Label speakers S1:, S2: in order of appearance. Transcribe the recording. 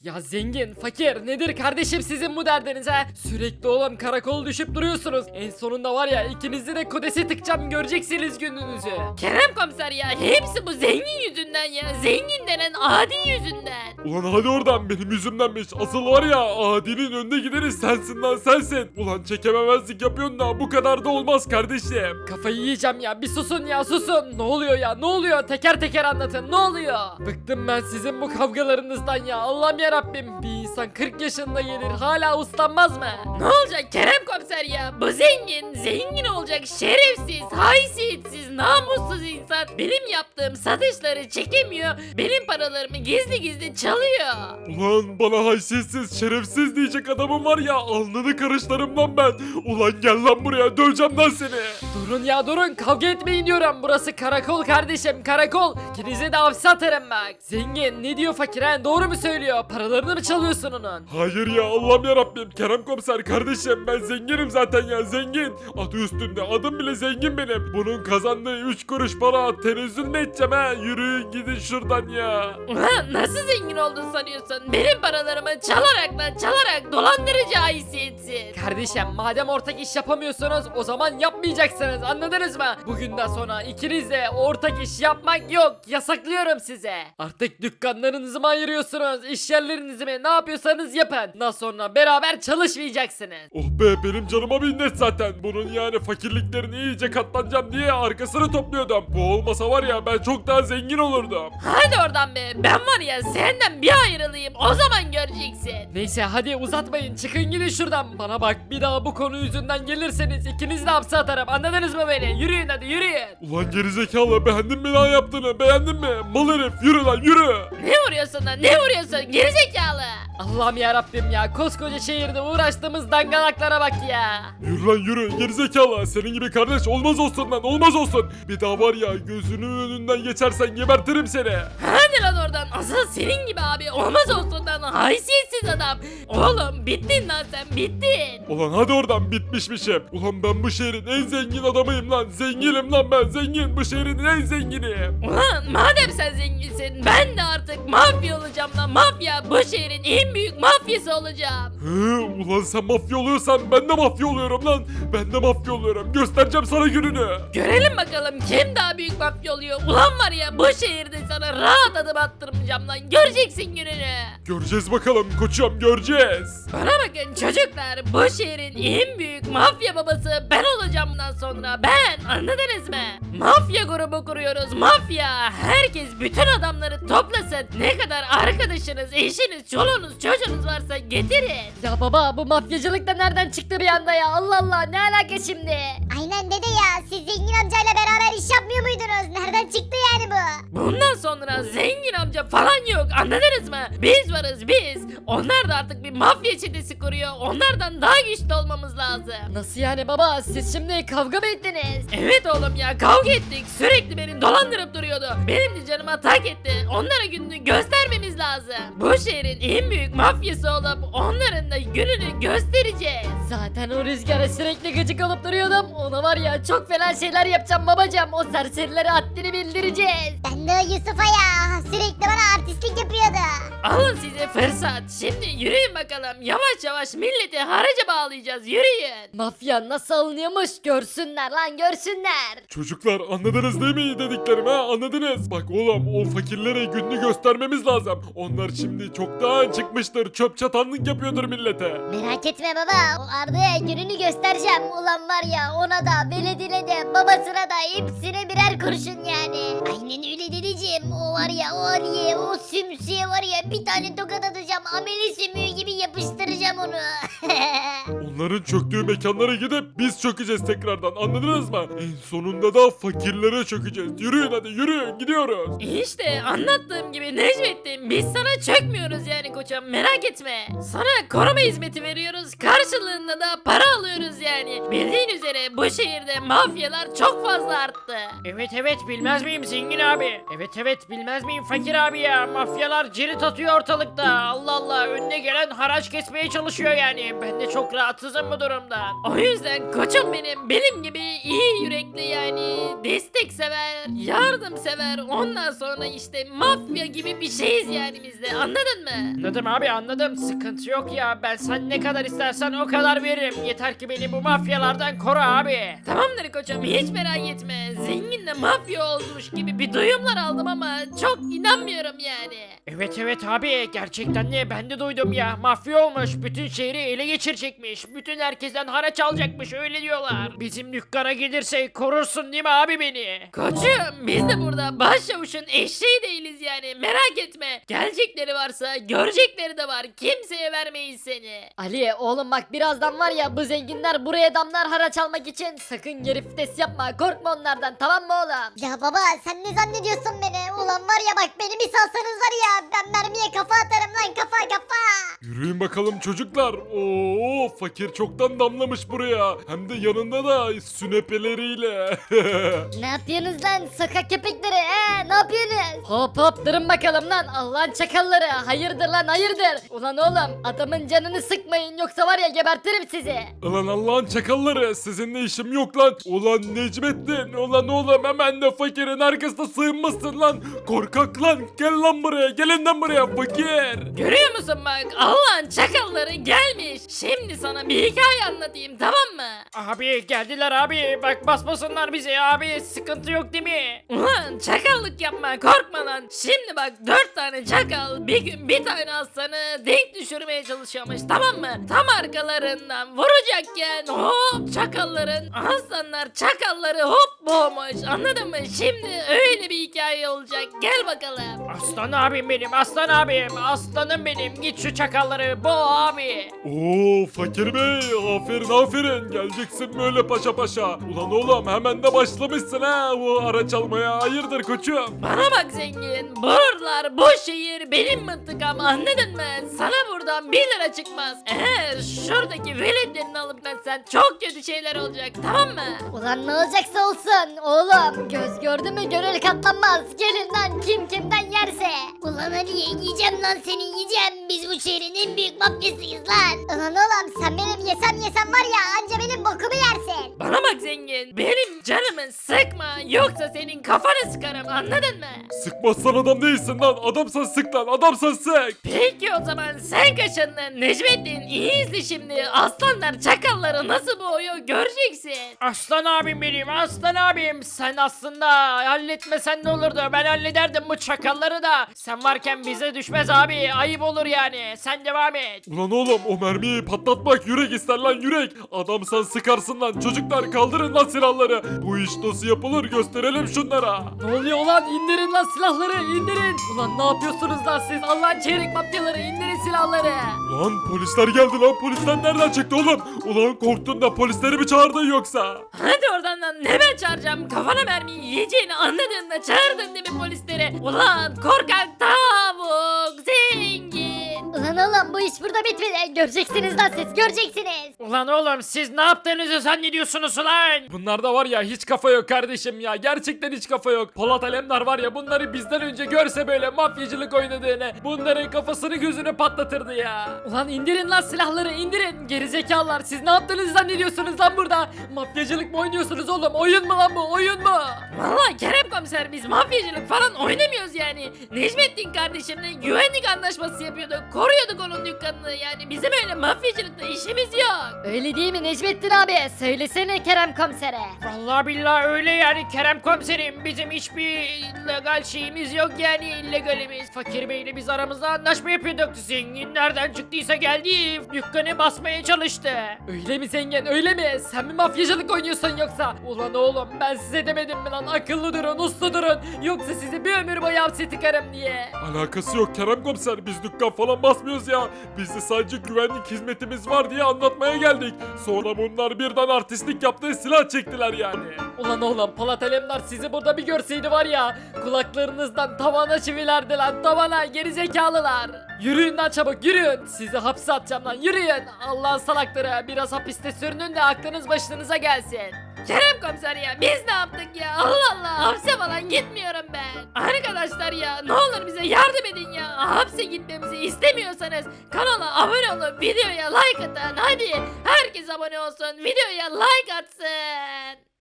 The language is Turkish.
S1: Ya zengin, fakir nedir kardeşim sizin bu derdiniz ha? Sürekli oğlum karakol düşüp duruyorsunuz. En sonunda var ya ikinizi de kodese tıkacağım göreceksiniz gününüzü.
S2: Kerem komiser ya hepsi bu zengin yüzünden ya. Zengin denen adi yüzünden.
S3: Ulan hadi oradan, benim yüzümdenmiş. Asıl var ya, Adi'nin önde gideni sensin lan, sensin. Ulan çekememezlik yapıyorsun da bu kadar da olmaz kardeşim.
S1: Kafayı yiyeceğim ya bir susun ya susun. Ne oluyor ya ne oluyor teker teker anlatın ne oluyor? Bıktım ben sizin bu kavgalarınızdan ya Allah'ım yarabbim. Bir insan 40 yaşında gelir hala uslanmaz mı?
S2: Ne olacak Kerem komiser ya? Bu zengin olacak şerefsiz, haysiyetsiz, namussuz insan benim yaptığım satışları çekemiyor. Benim paralarımı gizli gizli çalıyor.
S3: Ulan bana haysiyetsiz, şerefsiz diyecek adamım var ya, alnını karışlarım lan ben. Ulan gel lan buraya, döveceğim lan seni.
S1: Durun ya durun kavga etmeyin diyorum. Burası karakol kardeşim karakol. İkinize de hapse atarım bak. Zengin ne diyor fakir ha doğru mu söylüyor? Paralarını mı çalıyorsun onun?
S3: Hayır ya, Allah'ım yarabbim, Kerem komiser kardeşim, ben zenginim zaten ya, zengin. Adı üstünde, adım bile zengin benim. Bunun kazandığı 3 kuruş para tenezzül mü edeceğim ha? Yürüyün gidin şuradan ya.
S2: Ulan nasıl zengin oldun sanıyorsun? Benim paralarımı çalarak dolandırıcı haysiyetsiz.
S1: Kardeşim madem ortak iş yapamıyorsunuz o zaman yapmayacaksınız anladınız mı? Bugünden sonra ikiniz de ortak iş yapmak yok yasaklıyorum size. Artık dükkanlarınızı mı ayırıyorsunuz iş yerlerinizi mi ne yapıyorsanız yapın. Daha sonra beraber çalışmayacaksınız.
S3: Oh be, benim canıma minnet zaten. Bunun yani fakirliklerini iyice katlanacağım diye arkasını topluyordum. Bu olmasa var ya, ben çok daha zengin olurdum.
S2: Hadi oradan be. Ben var ya senden bir ayrılayım. O zaman göreceksin.
S1: Neyse hadi uzatmayın çıkın gidin şuradan. Bana bak bir daha bu konu yüzünden gelirseniz ikiniz de hapse atarım anladınız mı beni? Yürüyün hadi yürüyün.
S3: Ulan gerizekalı, beğendin mi lan yaptığını, beğendin mi? Mal herif, yürü lan yürü.
S2: Ne vuruyorsun lan? Ne vuruyorsun? Gerizekalı.
S1: Allah'ım ya Rabbim ya koskoca şehirde uğraştığımız dangalaklara bak ya.
S3: Yürü lan yürü, gerizekalı. Senin gibi kardeş olmaz olsun lan, olmaz olsun. Bir daha var ya, gözünün önünden geçersen gebertirim seni.
S2: Hadi lan oradan. Asıl senin gibi abi. Olmaz olsun lan. Haysiyetsiz adam. Oğlum bittin lan sen bittin.
S3: Ulan hadi oradan, bitmişmişim. Ulan ben bu şehrin en zengin adamıyım lan. Zenginim lan ben, zengin. Bu şehrin en zenginiyim.
S2: Ulan madem sen zenginsin ben de artık mafya olacağım lan. Mafya bu şehrin en büyük mafyası olacağım.
S3: Hı, ulan sen mafya oluyorsan ben de mafya oluyorum lan. Ben de mafya oluyorum. Göstereceğim sana gününü.
S2: Görelim bakalım kim daha büyük mafya oluyor. Ulan var ya bu şehirde sana rahat adım attırmayacağım lan. Göreceksin gününü.
S3: Göreceğiz bakalım koçum, göreceğiz.
S2: Bana bakın çocuklar bu şehrin en büyük mafya babası ben olacağım bundan sonra ben anladınız mı? Mafya grubu kuruyoruz mafya. Herkes bütün adamları toplasın. Ne kadar arkadaşınız, eşiniz, çoluğunuz, çocuğunuz varsa getirin.
S1: Ya baba bu mafyacılık da nereden çıktı bir anda ya Allah Allah ne alaka şimdi?
S4: Aynen dede ya, siz zengin amcayla beraber iş yapmıyor muydunuz? Nereden çıktı yani bu?
S2: Bundan sonra zengin amca falan yok anladınız mı? Biz varız biz. Onlar da artık bir mafya çetesi kuruyor. Onlardan daha güçlü olmamız lazım.
S1: Nasıl yani baba siz şimdi kavga mı ettiniz?
S2: Evet oğlum ya kavga ettik. Sürekli beni dolandırıp duruyordu. Benim de canıma tak etti. Onlara gününü göstermemiz lazım. Bu şehrin en büyük mafyası olup onların da gününü göstereceğiz.
S1: Zaten o rüzgara sürekli gıcık olup duruyordum. Ona var ya çok fena şeyler yapacağım babacığım. O serserilere haddini bildireceğiz.
S4: Ben de o Yusuf'a ya, sürekli bana artistlik yapıyordu.
S2: Alın size fırsat. Şimdi yürüyün bakalım. Yavaş yavaş milleti haraca bağlayacağız. Yürüyün.
S1: Mafya nasıl alınıyormuş görsünler lan görsünler.
S3: Çocuklar anladınız değil mi dediklerimi ha, anladınız? Bak oğlum, o fakirlere gününü göstermemiz lazım. Onlar şimdi çoktan çıkmıştır, çöp çatanlık yapıyordur millete.
S4: Merak etme baba, o Arda'ya gününü göstereceğim. Ulan var ya, ona da Veledine de babasına da hepsine birer kurşun yani. Aynen öyle dedeciğim. O var ya, o Ali'ye, o sümsüye var ya bir tane tokat atacağım. Ameli sümüğü gibi yapıştıracağım onu.
S3: Onların çöktüğü mekanlara gidip biz çökeceğiz tekrardan, anladınız mı? En sonunda da fakirlere çökeceğiz. Yürüyün hadi, yürüyün, gidiyoruz.
S2: İşte anlattığım gibi Necmettin biz sana çökmüyoruz yani koçum merak etme. Sana koruma hizmeti veriyoruz karşılığında da para alıyoruz yani. Bildiğin üzere bu şehirde mafyalar çok fazla arttı.
S1: Evet bilmez miyim zengin abi? Evet bilmez miyim fakir abi ya? Mafyalar cirit atıyor ortalıkta. Allah Allah önüne gelen haraç kesmeye çalışıyor yani. Ben de çok rahatsızım bu durumdan.
S2: O yüzden koçum benim gibi iyi yürekli yani desteksever, yardımsever, ondan sonra işte mafya gibi bir şeyiz yani biz de, anladın mı?
S1: Anladım abi, anladım. Sıkıntı yok ya. Ben sen ne kadar istersen o kadar veririm. Yeter ki beni bu mafyalardan koru abi.
S2: Tamamdır koçum, hiç merak etme. Zenginle mafya olmuş gibi bir duyumlar aldım ama çok inanmıyorum yani.
S1: Evet abi, gerçekten de ben de duydum ya. Mafya olmuş, bütün şehri ele geçirecekmiş. Bütün herkesten haraç alacakmış, öyle diyorlar. Bizim dükkana gelirse korursun değil mi abi beni?
S2: Koçum biz de burada başçavuşun eşeği değiliz yani, merak etme. Gelecekleri varsa görecekleri de var, kimseye vermeyiz seni.
S4: Ali oğlum bak birazdan var ya bu zenginler buraya damlar haraç almak için sakın geri vites yapma korkma onlardan tamam mı oğlum? Ya baba sen ne zannediyorsun beni? Ulan var ya bak beni bir salsanız var ya ben mermiye kafa atarım lan kafa.
S3: Yürüyün bakalım çocuklar. Oo, fakir çoktan damlamış buraya. Hem de yanında da sünepeleriyle.
S4: Ne yapıyorsunuz lan sokak köpekleri ne yapıyorsunuz? Hop durun bakalım lan Allah'ın çakalları hayırdır lan hayırdır? Ulan oğlum adamın canını sıkmayın yoksa var ya gebertirim sizi.
S3: Ulan Allah'ın çakalları, sizinle işim yok lan. Ulan Necmettin, ulan oğlum hemen de fakirin arkasına sığınmasın lan. Korkak lan, gel lan buraya, gelin lan buraya fakir.
S2: Görüyor musun bak, Allah'ın çakalları gelmiş. Şimdi sana bir hikaye anlatayım, tamam mı?
S1: Abi geldiler abi. Bak basmasınlar bizi abi. Sıkıntı yok değil mi?
S2: Ulan çakallık yapma, korkma lan. Şimdi bak 4 tane çakal bir gün bir tane aslanı denk düşürmeye çalışıyormuş, tamam mı? Tam arkalarından vuracakken hop çakalların, aslanlar çakalları hop boğmuş, anladın mı? Şimdi öyle bir hikaye olacak, gel bakalım.
S1: Aslan abim benim, aslan abim. Aslanım benim. Git şu çakalları boğ abi.
S3: Oo fakir bey, aferin geleceksin böyle paşa paşa. Ulan oğlum hemen de başlamışsın ha bu araç almaya, hayırdır koçum.
S2: Bana bak zengin, buralar bu şehir benim mıntıkam, anladın mı? Sana buradan 1 lira çıkmaz. Eğer şuradaki veletlerini alıp sen çok kötü şeyler olacak, tamam mı?
S4: Ulan ne olacaksa olsun oğlum göz gördü mü gönül katlanmaz gelin lan kim kimden yerse. Ulan Ali yiyeceğim lan seni yiyeceğim biz bu şehrin en büyük mafyasıyız lan. Ulan oğlum sen benim yesem var ya anca benim bokumu yersin.
S2: Bana bak zengin, benim canımı sıkma yoksa senin kafanı sıkarım, anladın mı?
S3: Sıkmazsan adam değilsin lan, adamsan sık lan, adamsan sık.
S2: Peki o zaman sen kaşındın Necmettin, iyi izle şimdi, aslanlar çakalları nasıl boğuyor göreceksin.
S1: Aslan abim benim, aslan abim. Sen aslında halletmesen ne olurdu? Ben hallederdim bu çakalları da. Sen varken bize düşmez abi. Ayıp olur yani. Sen devam et.
S3: Ulan oğlum o mermiyi patlatmak yürek ister lan yürek. Adamsan sıkarsın lan, çocuklar kaldırın lan silahları. Bu iş nasıl yapılır gösterelim şunlara.
S1: Ne oluyor lan? İndirin lan silahları, indirin. Ulan ne yapıyorsunuz lan siz? Allah'ın çeyrek mafyaları, indirin silahları.
S3: Lan polisler geldi lan, polisler nereden çıktı oğlum? Ulan korktun da polisleri mi çağırdın yoksa?
S2: Hadi oradan lan, ne ben çağıracağım, kafana mermiyi yiyeceğini anladığında çağırdın değil mi polisleri? Ulan korkak tavuk zengin.
S4: Ulan oğlum bu iş burada bitmedi göreceksiniz lan siz göreceksiniz.
S1: Ulan oğlum siz ne yaptığınızı zannediyorsunuz ulan?
S3: Bunlarda var ya hiç kafa yok kardeşim ya, gerçekten hiç kafa yok. Polat Alemdar var ya, bunları bizden önce görse böyle mafyacılık oynadığını, bunların kafasını gözünü patlatırdı ya.
S1: Ulan indirin lan silahları, indirin. Gerizekalılar, siz ne yaptığınızı zannediyorsunuz lan burada? Mafyacılık mı oynuyorsunuz oğlum? Oyun mu lan bu? Oyun mu?
S2: Vallahi Kerem komiser, biz mafyacılık falan oynamıyoruz yani. Necmettin kardeşimle güvenlik anlaşması yapıyorduk, koruyorduk onun dükkanını, yani bizim öyle mafyacılıkla işimiz yok.
S4: Öyle değil mi Necmettin abi söylesene Kerem komisere.
S1: Vallahi billahi öyle yani Kerem komiserim. Bizim hiçbir legal şeyimiz yok yani, illegalimiz. Fakir Bey'le biz aramızda anlaşma yapıyorduk. Zengin nereden çıktıysa geldi, dükkanı basmaya çalıştı. Öyle mi zengin, öyle mi? Sen mi mafyacılık oynuyorsun yoksa? Ulan oğlum ben size demedim mi lan, akıllı durun, uslu durun. Yoksa sizi bir ömür boyu hapse tıkarım diye.
S3: Alakası yok Kerem komiser, biz dükkan falan basmıyoruz ya. Bizde sadece güvenlik hizmetimiz var diye anlatmaya geldik. Sonra bunlar birden artistlik yaptı, silah çektiler yani.
S1: Ulan oğlum Polat Alemdar sizi burada bir görseydi var ya, kulaklarınızdan tavana çivilerdi lan, tavana, gerizekalılar. Yürüyün lan çabuk, yürüyün. Sizi hapse atacağım lan, yürüyün. Allah'ın salakları, biraz hapiste sürünün de aklınız başınıza gelsin.
S2: Kerem komiser ya, biz ne yaptık ya, Allah Allah, hapse falan gitmiyorum ben. Arkadaşlar ya ne olur bize yardım edin ya. Hapse gitmemizi istemiyorsanız kanala abone olup videoya like atın. Hadi herkes abone olsun, videoya like atsın.